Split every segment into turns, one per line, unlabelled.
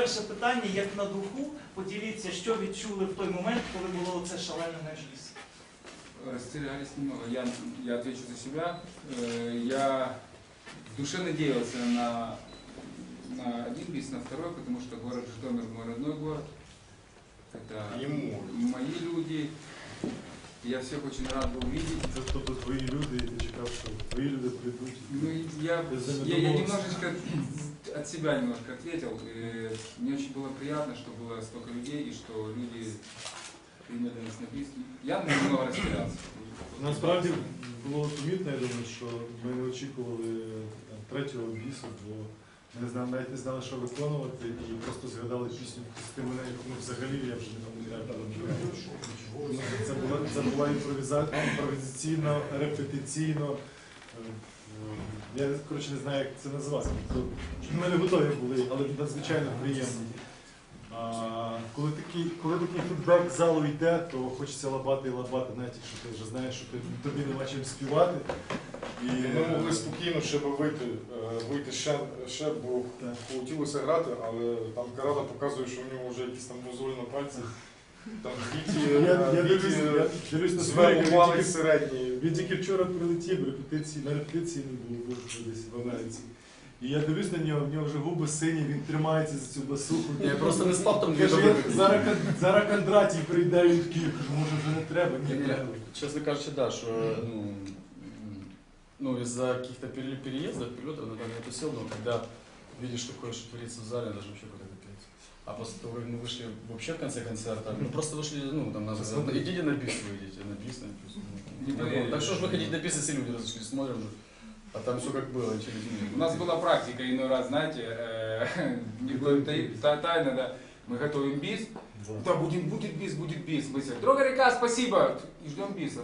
перше питання, як на духу, поділіться, що відчули в той момент, коли було це шалене на біс.
Растерялись немного. Я отвечу за себя. Я в душе надеялся на один бис, на второй, потому что город Житомир мой родной город. Это мои люди. Я всех очень рад был видеть.
Это тобто твои люди, и ты чекал, что твои люди придут.
Ну, я немножечко от себя немножко ответил. И мне очень было приятно, что было столько людей, и что люди приняли нас на бис. Я немного растерялся.
Насправді було помітно, я думаю, що ми не очікували третього бісу, бо ми навіть не знали, що виконувати, і просто згадали пісню «Пусти мене», яку ми взагалі, я вже не пам'ятаю. Це була імпровізаційно, репетиційно. Я, коротше, не знаю, як це назвати. Ми не готові були, але надзвичайно приємно. Коли такий фідбек з залу йде, то хочеться лабати і лабати, навіть якщо ти вже знаєш, що тобі нема чим співати. І
ми могли спокійно ще вийти ще, бо хотілося грати, але там Карада показує, що в нього вже якісь там мозолі на пальці. Там
дивлюсь на
звели середні.
Він тільки вчора прилетів, на репетиції не було десь в Америці. І я дивлюсь на нього, в нього вже губи сині, він тримається за цю басуху.
Я просто не спав там.
Зараз Кондратій прийде, він такий, може вже не треба.
Честно кажучи, да, что из-за каких-то переездов, перелетов, там я тусил, но когда видишь такое, что творится в зале, даже вообще куда-то петь. А после того, как мы вышли вообще в конце концерта, мы просто вышли, там нас сказали, идите на бис, выйдите, на бис. Так что ж выходить на бис, если люди разошлись, смотрим, а там все как было, через день.
У нас была практика, иной раз, знаете, не будет тайна, да, мы готовим бис, да, будет бис, мы все, «Друга река, спасибо!» и ждем биса.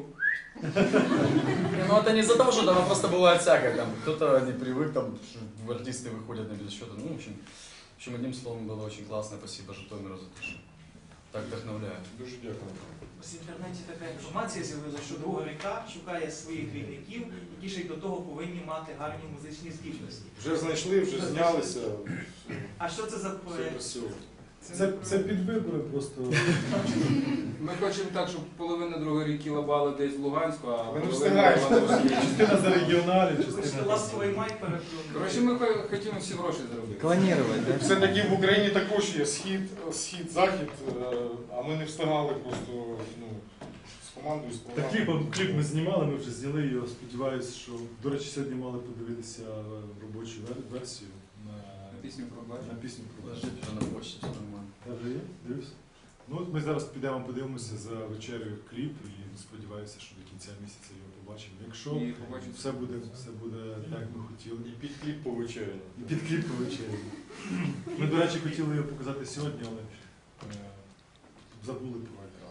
Ну это не из-за того, что там просто бывает всякое, там кто-то не привык, там артисты выходят на без счета, в общем, одним словом было очень классно, спасибо Житомиру за то, что так вдохновляет.
Дуже дякую.
В інтернеті така інформація з'явилася, що «Друга ріка» шукає своїх двійників, які ще й до того повинні мати гарні музичні здібності.
Вже знайшли, вже знялися.
А що це за проєкт?
Це підвибори просто.
Ми хочемо так, щоб половина Другої ріки лабала десь в Луганську, а
Ми не
половина
встигаємо.
лабала в Росії.
Частина за регіоналі,
Хочете
частина...
ласковий май переплюнути?
Коротше, ми хочемо всі гроші заробити.
Клонировать, да?
Все-таки в Україні також є схід, захід, а ми не встигали просто з командою, з
Та
програмою.
кліп ми знімали, ми вже зняли його, сподіваюся, що... До речі, сьогодні мали подивитися робочу версію
Пісню про
на пісню про Бачу.
Уже на почте все нормально.
Вже є? Дивлюся. Ну, от ми зараз підемо подивимося за вечерею кліп і сподіваюся, що до кінця місяця його побачимо. Якщо
І побачимо.
все буде так, як ми хотіли.
І під кліп по вечері.
І під кліп по вечері. Ми, до речі, хотіли його показати сьогодні, але забули про екран.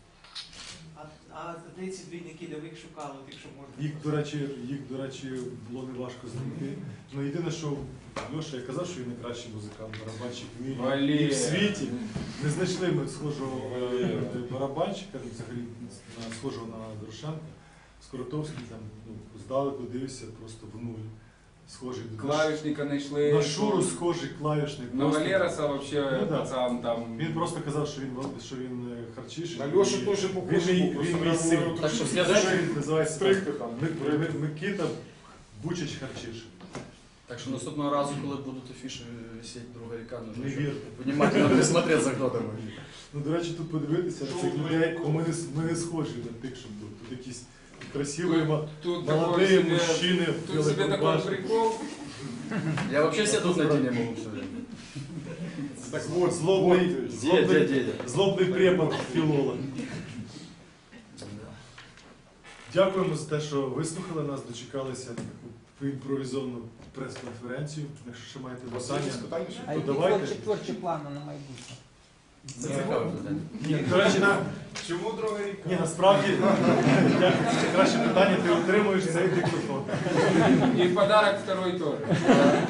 А де ці двійники, де ви їх шукали, якщо можна?
Їх, до речі, було неважко знайти. Ну, єдине, що Льоша, я казав, що він найкращий музикант, барабанщик в мірі і в світі. Не знайшли ми схожого барабанщика, взагалі схожого на Дорошенка. Скоротовський там здалеку дивився просто в нуль. Схожий до
Клавішника знайшли.
на Шуру схожий клавішник.
На Валераса вообще пацан там.
Він просто казав, що він харчіший.
На Льошу теж попрошу,
він мій син.
Так що
Він називається
стригти там.
Микита Бучич харчіший.
Так что наступного разу, коли будут афиши висеть «Друга река», нужно
Не вірте.
внимательно присмотреться, кто там.
Ну, до речі, тут подивитися на цих людей, ми не схожі на тих, що тут. Тут якісь красиві, молоді мужчини.
Тут себе такой прикол.
Я вообще все тут на Дине могу все время.
Так вот, злобний препод філолог. Дякуємо за те, що вислухали нас, дочекалися на таку імпровізовану прес-конференцію. Якщо ще маєте бажання,
А
то
які
давайте.
творчі плани на майбутнє?
Це цікаве питання.
Ні, до речі,
Чому Друга ріка?
ні, насправді, це краще питання, ти отримуєш цей диктофон.
І в подарок второй теж.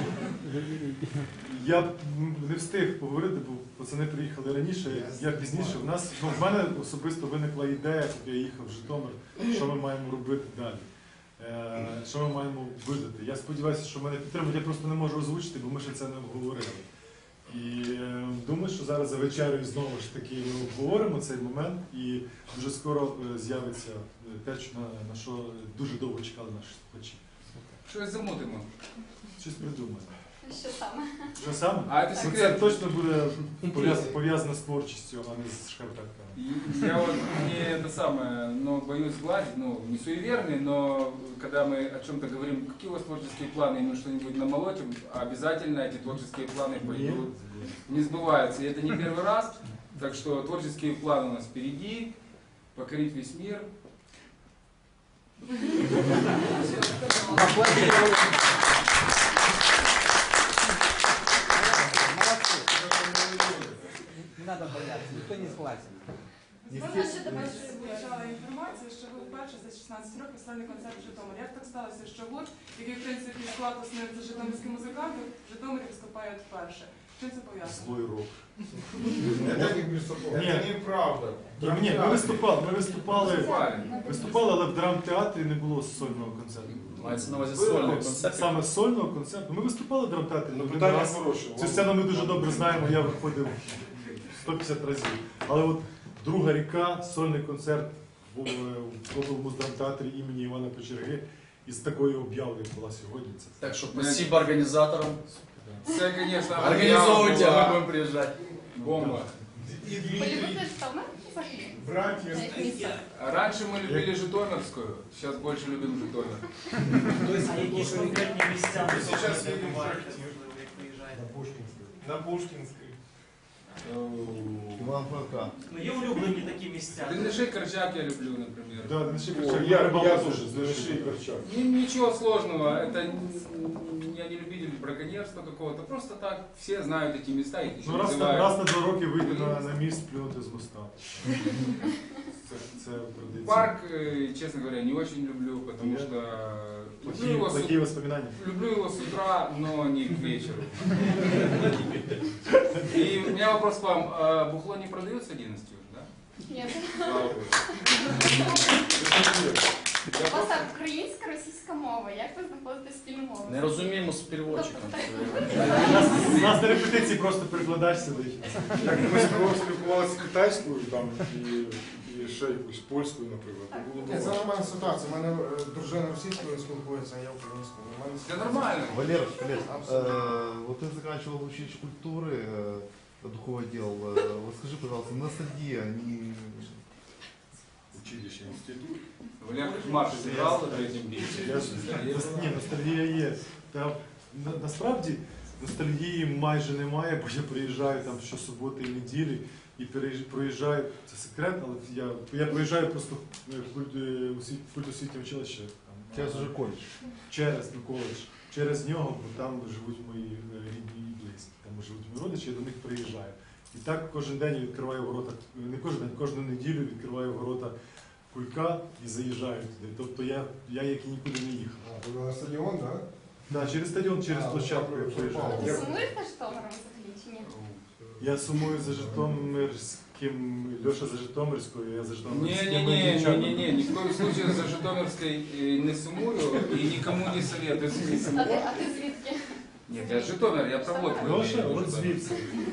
Я не встиг поговорити, бо пацани приїхали раніше, я пізніше. В мене особисто виникла ідея, коли я їхав в Житомир, що ми маємо робити далі. Що ми маємо видати. Я сподіваюся, що мене підтримують, я просто не можу озвучити, бо ми ще це не обговорили. І думаю, що зараз за вечерею знову ж таки ми обговоримо цей момент, і дуже скоро з'явиться те, на що дуже довго чекали наші слухачі.
Щось замутимо.
Щось придумаємо.
Що саме?
Що саме?
А это
Ну, це
секрет.
точно буде пов'язано з творчістю, а не з шкарпетками.
И я вот не это самое, но боюсь сглазить, ну, не суеверный, но когда мы о чем-то говорим, какие у вас творческие планы, и мы что-нибудь намолотим, обязательно эти творческие планы пойдут, не сбываются. И это не первый раз, так что творческие планы у нас впереди, покорить весь мир.
Не надо бояться, никто не сглазит.
Можна ще до вас звучала інформація, що ви вперше за 16 років сольний концерт в Житомирі. Як так сталося, що гурт, який в принципі склад основний за житомирські музиканти, в Житомирі виступає вперше? Чим це пов'язано?
Злой рок.
Це неправда.
Ні, ми виступали, але в драмтеатрі не було сольного концерту.
Мається на увазі сольний
Було
концерт.
саме сольного концерту. Ми виступали в драмтеатрі,
Ну,
один
питання
раз.
хороше.
Цю сцену ми дуже добре знаємо, я виходив 150 разів. Але от «Друга ріка», сольний концерт був в облмуздрамтеатрі імені Івана Печерги із такою об'явою, як була сьогодні. Це
Так що спасибо організаторам.
Все, конечно,
Організовуйте, а ми
была
будемо приїжджати.
бомба.
Полюбити Житомир? Взагалі?
Братья.
Як місто?
Раньше мы любили Житомирскую, сейчас больше любим Житомир.
А якісь конкретні місця
Ви зараз
де
їдете в
буваєте,
Житомир.
можливо, як виїжджаєте?
На Пушкинской.
Иван Франка.
Ну, є улюблені такі місця.
Дальнишей Корчак я люблю, например.
Да, Дениші
О,
Корчак,
я
рибалка
тоже,
дуже
Денишей Корчак.
Ничего сложного, это я не любитель браконьерства какого-то, просто так все знают эти места, их еще
Ну, раз
называют.
на 2 роки вийти на міст, плюнути з моста. Це традиція.
Парк, честно говоря, не очень люблю, потому что
Такі воспоминання.
люблю его с утра, но не к вечеру. И у меня вопрос к вам, а бухло не продается 11 уже, да?
Ні.
Слава Богу.
У вас так, українська, російська мова. Як ви знаходите спільну мову?
Не розуміємо з переводчиком.
У нас на репетиції просто перекладач сидить.
Як ми спілкувалися китайською там, і ще якусь польською, наприклад, то було
Це
добре.
нормальна ситуація. У мене дружина російською спілкується, а я українською.
Это нормально.
Валер, вот ты заканчивал училище культуры, духовой отдел. Вот скажи, пожалуйста, ностальгия, не...
Училище, інститут.
Валер Марш сыграл на третьем бите.
Ні, ностальгія є. Насправді ностальгії майже немає, бо я приїжджаю там щосуботи і неділі і проїжджаю, це секрет, але я проїжджаю просто в культосвітнє училище.
Сейчас уже колледж.
Через коледж, через нього, бо там живуть мої рідні і близькі, там живуть мої родичі, я до них приїжджаю. І так кожен день відкриваю ворота, не кожен день, кожну неділю відкриваю ворота Кулька і заїжджаю туди. Тобто я як і нікуди не їхав.
А, на стадион, да?
Да, через стадіон, через площадку я приїжджаю.
Ви сумуєте Житомиром взагалі чи ні?
Я сумую за Житомирським, Льоша за Житомирською, я за Житомирським.
Не-не-не, ни в коем случае за Житомирской не сумую и никому не советую.
А ти звідки?
Нет, я с Житомира, я проводку.
Льоша, от звідси.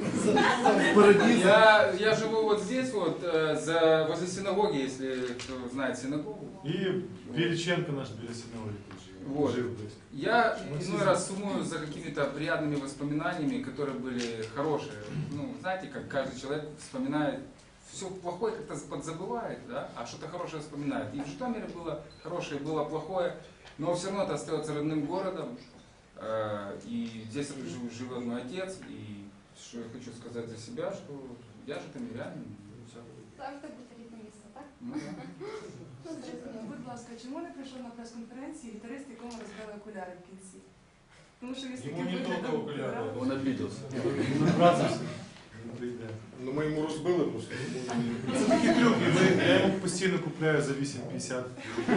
Я живу вот здесь вот, возле синагоги, если кто знает синагогу.
І Біліченко наш біля синагоги тут живе.
Вот.
Жив близько.
Я иной раз сумую за какими-то приятными воспоминаниями, которые были хорошие. Ну, знаете, как каждый человек вспоминает, все плохое как-то подзабывает, да, а что-то хорошее вспоминает. И в Житомире было хорошее, было плохое, но все равно это остается родным городом. И здесь живет мой отец, и что я хочу сказать за себя, что я житомирянин. и всё.
Завжди буде рідне місто, так?
Ну, да.
Ну, зрозуміло.
Будь ласка, чому не прийшов на прес-конференції гітарист, якому розбили окуляри в кінці? Тому що він
Йому не тільки окуляри.
Он обиделся.
Він образився. Він прийде.
Ну ми йому розбили просто.
Це такі трюки, я йому постійно купляю за 8,50.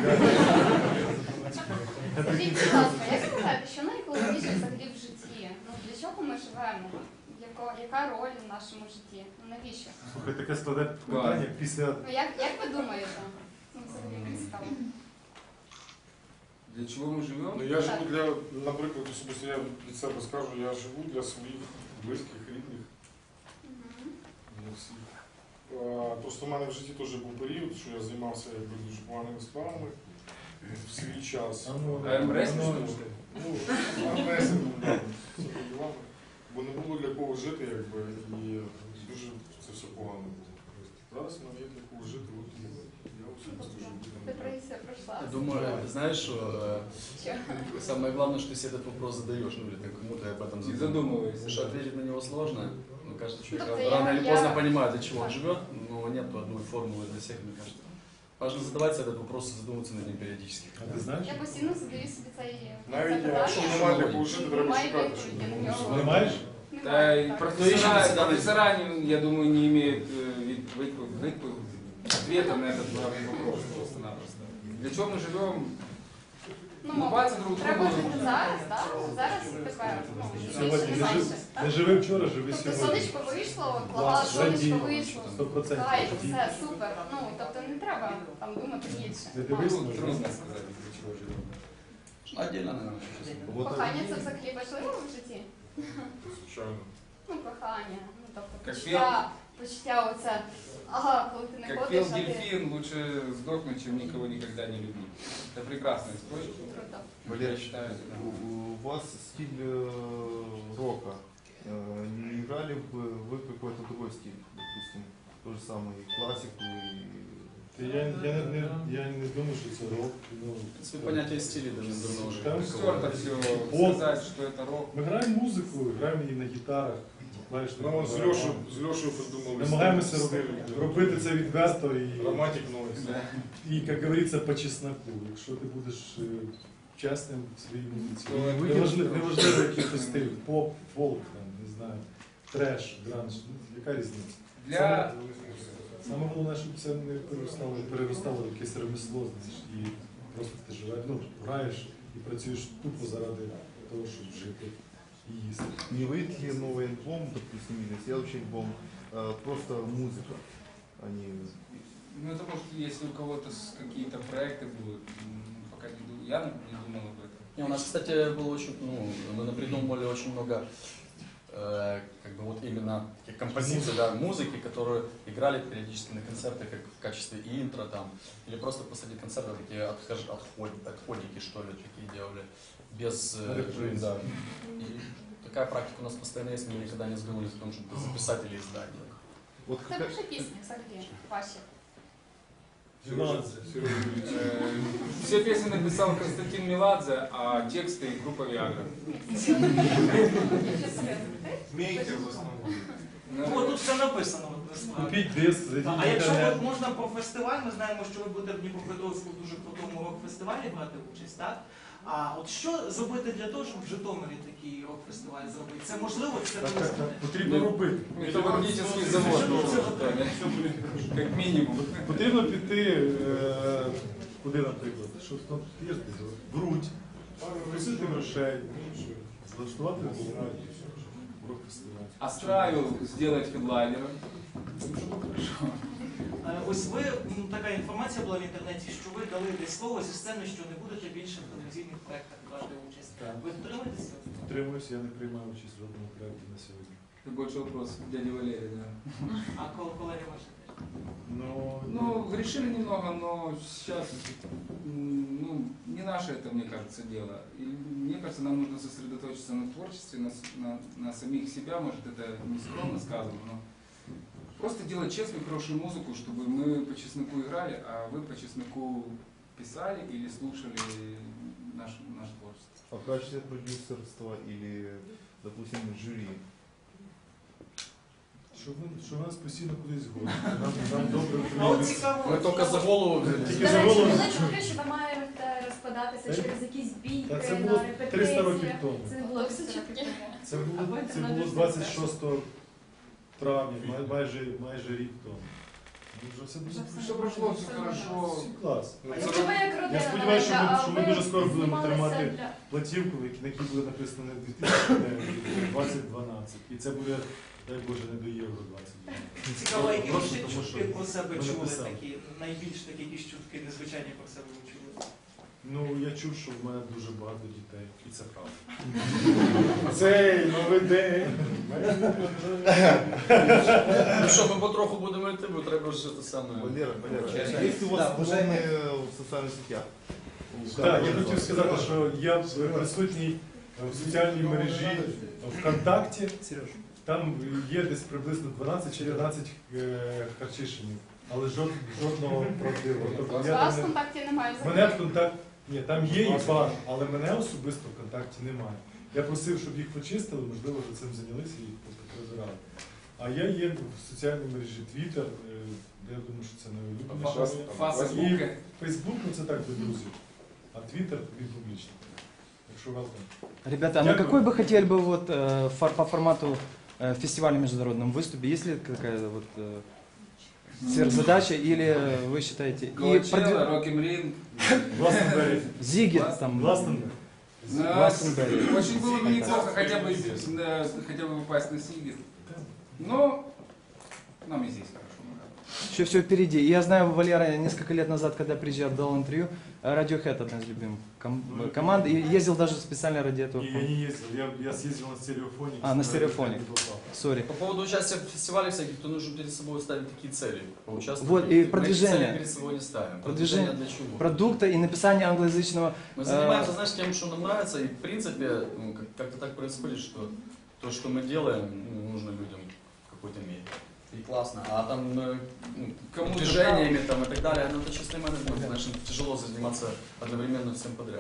Скажіть, будь ласка, як ви вважаєте, що найголовніше взагалі в житті? Ну, для чого ми живемо? Яка роль в нашому житті? Ну, навіщо?
Слухай, таке складне питання після...
Ну, як ви думаєте? Ну, взагалі мені цікаво.
Для чего мы живем?
Ну я живу для, наприклад, особисто я від себе скажу, я живу для своїх близьких, рідних. Просто в мене в житті теж був період, що я займався якби дуже поганими справами в свій час.
АМРС,
Ну, АМРС, бо не було для кого жити, якби, і дуже це все погано було. Зараз в мене є для кого жити, от я особисто живу.
Депрессия прошла.
Я думаю, знаешь, что самое главное, что ты себе этот вопрос задаешь, ну или ты кому-то об этом
И задумываешься.
Потому что ответить на него сложно. Ну, кажется, человек
Ну,
рано или
я-
поздно понимает, для чего он живет, но нет одной формулы для всех, мне кажется. Важно задавать себе этот вопрос и задумываться над ним периодически.
А ти знаєш?
Я постійно задаю собі цей
Навіть якщо немає для кого жити, треба
Немає
шукати.
відповіді на
щоб
нього.
Не маєш?
Да, и
Так.
профессора, я думаю, не имеют ответа на этот главный вопрос просто-напросто. Для чего мы живем?
Ну,
Улыбаться друг
треба
другу.
жити зараз, так? Зараз тепер, ну,
Сьогодні
більше не
не
менше.
жив,
так?
не живи вчора, живи
Тобто
сьогодні.
сонечко вийшло, клава, сонечко вийшло.
100%.
Кайф, все, супер. Ну, тобто не треба там думати більше.
Не дивись,
Ну, трудно сказать, для чего живем.
Ну, отдельно, наверное, сейчас.
Вот,
Кохання це взагалі важливо в житті?
Звичайно.
Ну, кохання, ну, тобто
Як
почуття оце, ага, коли ти не
Как
ходиш,
пел
а ти
дельфин, лучше сдохнуть, чем никого никогда не любить. Это прекрасный способ.
круто.
Я
Валерий,
считаю, да.
у вас стиль рока. Не играли бы вы какой-то другой стиль, допустим, то же самое, и классику,
Я не думаю, що це рок. Ну,
В принципе, понятие стиля давно уже.
Там
Стерто все,
Поп.
сказать, что это рок.
Ми граємо музику, граємо її на гітарах. Знаєш,
Ну, от з Льошою придумали.
намагаємося
стиль,
робити це відверто і,
Романтик Нойс.
як говориться, по чесноку. Якщо ти будеш чесним в своїй музиці.
То
Неважливо, який то стиль, поп, фолк, там, не знаю, треш, гранж, ну, яка різниця?
Для...
Саме головне, щоб це не переростало в якесь ремесло, знаєш, і просто ти живеш, ну, граєш і працюєш тупо заради того, щоб жити і їсти.
не выйдет ли новый альбом, допустим, или следующий альбом, просто музыка, а не...
Ну, это может, если у кого-то какие-то проекты будут, пока не думаю, я не думал об этом.
Не, у нас, кстати, было очень, ну, мы напридумывали очень много, как бы вот именно таких композиций, да, музыки, которые играли периодически на концертах, как в качестве интро там, или просто посреди концерта такие отходики, что ли, такие делали, без, да. И такая практика у нас постоянно есть, мы никогда не сговорились о том, чтобы записать или издать.
Вот
Це
какая-
вже пісні взагалі ваші.
Все песни написал Константин Меладзе, а тексты группа Виагра.
Мейкер в основному.
Ну, тут все написано. От, насправді.
Купіть диск, зайдіть
А
в
якщо
інтернет.
от можна про фестиваль, ми знаємо, що ви будете в Дніпропетровську в дуже крутому рок-фестивалі брати участь, так? А от що зробити для того, щоб в Житомирі такий рок-фестиваль зробити? Це можливо? Це
Так,
не
так, так, потрібно робити.
Металлургический завод нужен, как минимум.
Потрібно піти, куди, наприклад, що там є ж десь, в Рудь, просити грошей, влаштувати рок-фестиваль.
Астраю сделать хедлайнером.
Ось ви, ну, така інформація була в інтернеті, що ви дали десь слово зі сцени, що не будете більше в телевізійних проєктах брати участь.
Так.
Ви дотримуєтеся?
Утримуюся, я не приймаю участь в жодному проєкті на сьогодні.
Это больше вопрос к дяде Валерию, да.
А колеги ваші теж?
Ну, решили немного, но сейчас, ну, не наше это, мне кажется, дело. И мне кажется, нам нужно сосредоточиться на творчестве, на самих себя, может, это не скромно сказано, но просто делать честную, хорошую музыку, чтобы мы по чесноку играли, а вы по чесноку писали или слушали наше творчество.
А в качестве продюсерства или, допустим, жюри?
Що нас постійно кудись гонять. Нам добре
А от
прийде.
цікаво,
Мы только за голову взялись.
Тільки
До
за
речі,
голову.
були чутки, що ви маєте розкладатися через якісь бійки
Та це
на
було 300 років
репетиціях.
тому.
Це не було 300 років тому.
Це було 26 травня, майже рік тому. Ну, вже все дуже
Все прошло, все хорошо.
клас.
Якщо ви як родина,
Я сподіваюся,
навіть,
що ми дуже скоро будемо
знімалися
тримати
для-
платівку, на якій буде написано не 2009, а 2012. І це буде, дай Боже, не до Євро 2012.
цікаво, які ви
Просто
ще
тому,
чутки
що
про себе
ми
чули
написали.
такі, найбільш такі якісь чутки незвичайні про себе ви чули?
Ну, я чув, що в мене дуже багато дітей, і це правда.
Цей новий день.
Ну що, ми потроху будемо йти, бо треба вже те саме.
Валера, есть у вас клоны в социальных сетях?
Так, я хотів сказати, що я присутній в соціальній мережі ВКонтакті. Там є десь приблизно 12-14 харчишинів, але жодного правдивого. Тобто
У
я
вас в
там
контакті немає
мене
взагалі.
в контакті, ні, там є і бар, але мене особисто в контакті немає. Я просив, щоб їх почистили, можливо, вже цим зайнялися і прибирали. А я є в соціальній мережі Twitter, де я думаю, що це найулюбленіше.
Фейсбук.
Фейсбук, ну це так для друзів, а Twitter він публічний. Якщо вас там.
Ребята, а на какой бы хотели бы вот по формату фестиваля международном выступе? Есть ли какая-то вот сверхзадача или вы считаете?
Коачелла, Рок-н-Ринг.
Гластенберри.
Зигет там.
Гластенберри.
Гластенберри.
Очень было бы неплохо хотя бы попасть на Сигет. Но нам и здесь хорошо.
Еще все впереди. И я знаю, Валера несколько лет назад, когда приезжал, дал интервью, Radiohead одна из любимых команд, и ездил даже специально ради этого.
Не, я не ездил, я съездил на стереофоне.
А, на стереофоне. Сори.
По поводу участия в фестивале всяких, то нужно перед собой ставить такие цели. Поучаствовать.
Вот, и
Мы
продвижение.
эти цели перед собой не ставим.
Продвижение
для чего?
Продукта и написание англоязычного.
Мы занимаемся, знаешь, тем, что нам нравится, и в принципе ну, как-то так происходит, что то, что мы делаем, ну, нужно людям в какой-то мере. И классно. А там ну,
Кому-то
движениями там, и так далее, ну это чистый менеджмент, знаешь, тяжело заниматься одновременно всем подряд.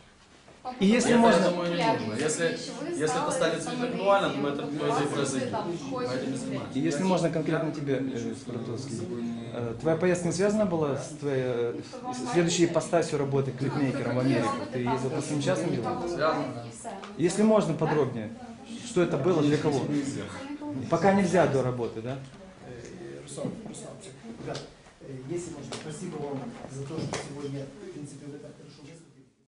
И если
Я
можно-
думаю, не нужно. Если это станет интеллектуально, то это по идее произойдет. Мы этим не занимаемся.
И если можно конкретно тебе, Скворцовский, твоя поездка не связана была с твоей следующей ипостасью работы клипмейкером в Америку? Ты ездил по своим частным делам?
Связано, да.
Если можно подробнее, что это было, для кого? Пока нельзя до работы, да?
Ребят, если можно, спасибо вам за то, что сегодня, в принципе, вы так хорошо выступили.